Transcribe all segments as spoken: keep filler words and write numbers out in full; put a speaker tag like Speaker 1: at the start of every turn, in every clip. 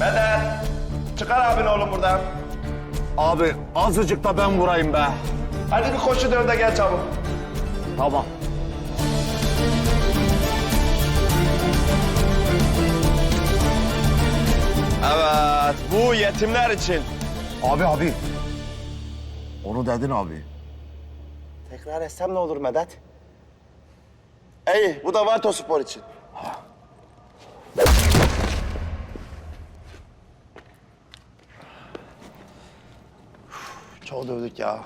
Speaker 1: Medet, çıkar abini oğlum buradan.
Speaker 2: Abi azıcık da ben vurayım be.
Speaker 1: Hadi bir koşu dön de gel çabuk.
Speaker 2: Tamam.
Speaker 1: Evet, bu yetimler için.
Speaker 2: Abi abi. Onu dedin abi.
Speaker 1: Tekrar etsem ne olur Medet? İyi, bu da Varto Spor için. Çok dövdük ya.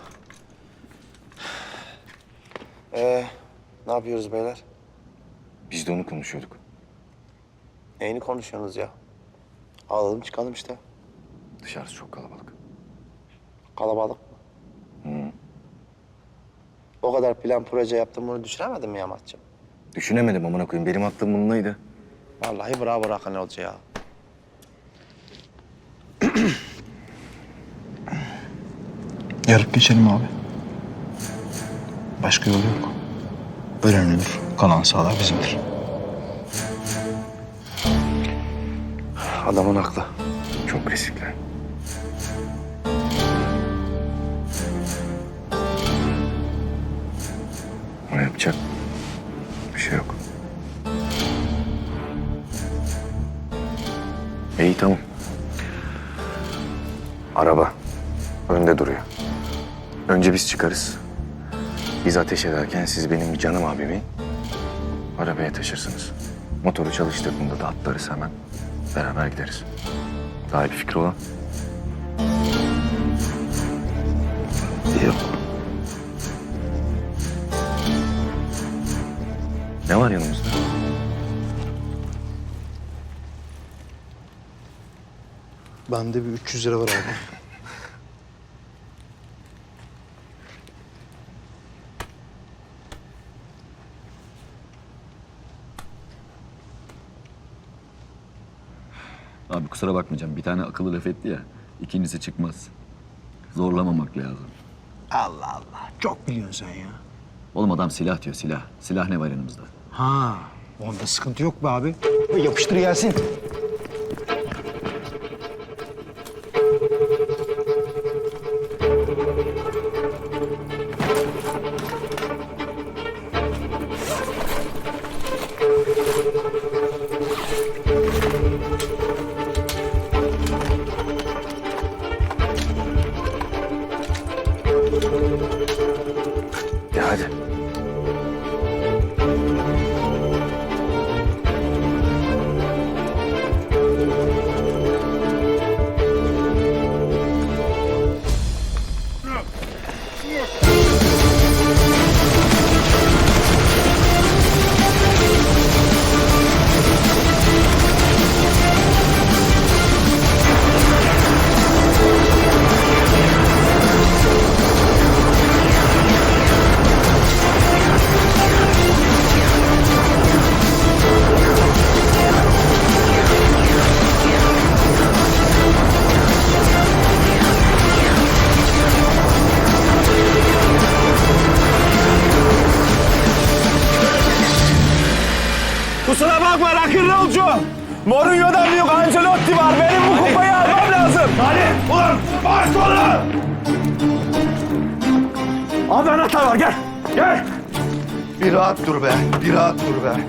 Speaker 1: Ee, ne yapıyoruz beyler?
Speaker 3: Biz de onu konuşuyorduk.
Speaker 1: Neyini konuşuyorsunuz ya? Alalım çıkalım işte.
Speaker 3: Dışarısı çok kalabalık.
Speaker 1: Kalabalık mı? Hı. O kadar plan proje yaptım, bunu düşünemedin mi Yamat'cığım?
Speaker 3: Düşünemedim amına koyayım. Benim aklım bununlaydı.
Speaker 1: Vallahi bravo Hakan Hoca ya.
Speaker 4: Yarıp geçelim abi. Başka yolu yok. Ölen ölür, kalan sağlar bizimdir.
Speaker 1: Adamın haklı.
Speaker 3: Çok riskli. Ama yapacak bir şey yok. İyi tamam. Araba önde duruyor. Önce biz çıkarız. Biz ateş ederken siz benim canım abimi arabaya taşırsınız. Motoru çalıştırdığında da atlarız hemen. Beraber gideriz. Daha iyi bir fikir olan.
Speaker 1: Yok.
Speaker 3: Ne var yanımızda?
Speaker 4: Bende bir üç yüz lira var abi.
Speaker 5: Abi kusura bakmayacağım. Bir tane akıllı laf etti ya. İkincisi çıkmaz. Zorlamamak lazım.
Speaker 4: Allah Allah. Çok biliyorsun sen ya.
Speaker 5: Oğlum adam silah diyor silah. Silah ne var yanımızda?
Speaker 4: Ha, onda sıkıntı yok be abi. Yapıştır gelsin.
Speaker 3: Ya hadi.
Speaker 1: Kusura bakma rock'n'rollcu. Mourinho'dan büyük Ancelotti var. Benim bu kupayı almam lazım. Hadi ulan bas onu. Abi anahtar var gel. Gel. Bir rahat dur be. Bir rahat dur be.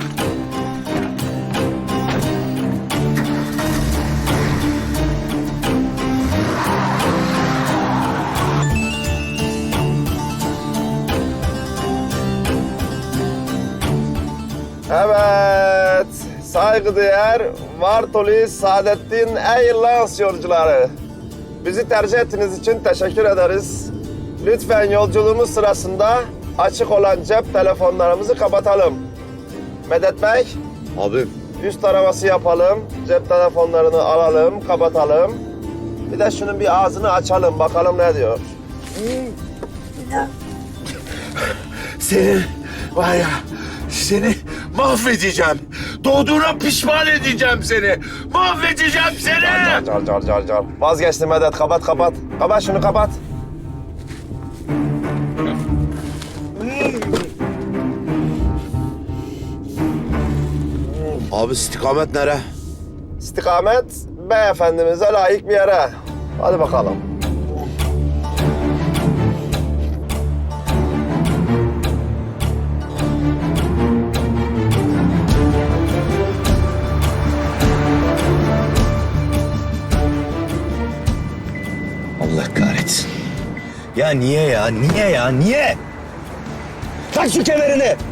Speaker 1: Evet, saygıdeğer Vartoli Saadettin Airlines yolcuları. Bizi tercih ettiğiniz için teşekkür ederiz. Lütfen yolculuğumuz sırasında açık olan cep telefonlarımızı kapatalım. Medet Bey,
Speaker 2: Abi.
Speaker 1: üst taraması yapalım. Cep telefonlarını alalım, kapatalım. Bir de şunun bir ağzını açalım, bakalım ne diyor.
Speaker 6: Seni var ya, seni mahvedeceğim. Doğduğuna pişman edeceğim seni. Mahvedeceğim seni.
Speaker 1: Car car car car car. Vazgeçtim Medet, kapat kapat. Kapat şunu kapat.
Speaker 6: Abi istikamet nere?
Speaker 1: İstikamet beyefendimize layık bir yere. Hadi bakalım.
Speaker 7: Allah kahretsin. Ya niye ya? Niye ya? Niye? Tak şu kemerini.